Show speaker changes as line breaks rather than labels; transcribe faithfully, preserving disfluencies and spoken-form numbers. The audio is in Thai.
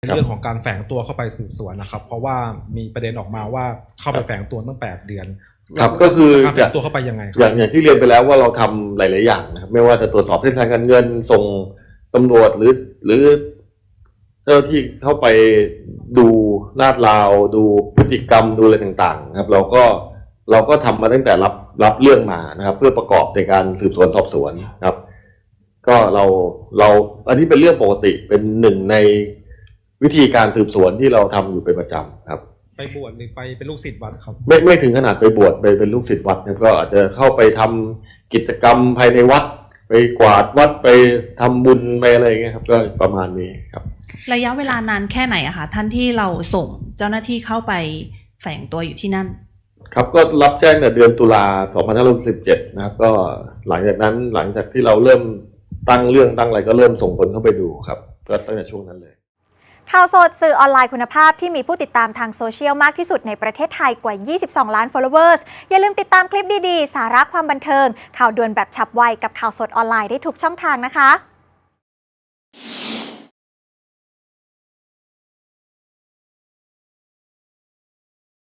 ในเรื่องของการแฝงตัวเข้าไปสืบสวนนะครับเพราะว่ามีประเด็นออกมาว่าเข้าไปแฝงตัวตั้งแปดเดือน
ครับก็คือ
การแฝงตัวเข้าไปยังไง
อย่างอย่างที่เรียนไปแล้วว่าเราทำหลายๆอย่างนะครับไม่ว่าจะตรวจสอบเส้นทางการเงินส่งตำรวจหรือหรือเจ้าหน้าที่เข้าไปดูลาดราวดูพฤติกรรมดูอะไรต่างๆครับเราก็เราก็ทำมาตั้งแต่รับรับเรื่องมานะครับเพื่อประกอบในการสืบสวนสอบสวนครับก็เราเราอันนี้เป็นเรื่องปกติเป็นหนึ่งในวิธีการสืบสวนที่เราทำอยู่เป็นประจำครับ
ไปบวชหรือไปเป็นลูกศิษย์วัดครับ
ไม่ไม่ถึงขนาดไปบวชไปเป็นลูกศิษย์วัดครับก็อาจจะเข้าไปทำกิจกรรมภายในวัดไปกวาดวัดไปทำบุญไปอะไรอย่างเงี้ยครับก็ประมาณนี้ครับ
ระยะเวลานานแค่ไหนอะคะท่านที่เราส่งเจ้าหน้าที่เข้าไปแฝงตัวอยู่ที่นั่น
ครับก็รับแจ้งในเดือนตุลาสองพันห้าร้อยสิบเจ็ดนะครับก็หลังจากนั้นหลังจากที่เราเริ่มตั้งเรื่องตั้งอะไรก็เริ่มส่งคนเข้าไปดูครับก็ตั้งแต่ช่วงนั้นเลย
ข่าวสดสื่อออนไลน์คุณภาพที่มีผู้ติดตามทางโซเชียลมากที่สุดในประเทศไทยกว่ายี่สิบสองล้าน followers อย่าลืมติดตามคลิปดีๆสาระความบันเทิงข่าวด่วนแบบฉับไวกับข่าวสดออนไลน์ได้ทุกช่องทางนะคะ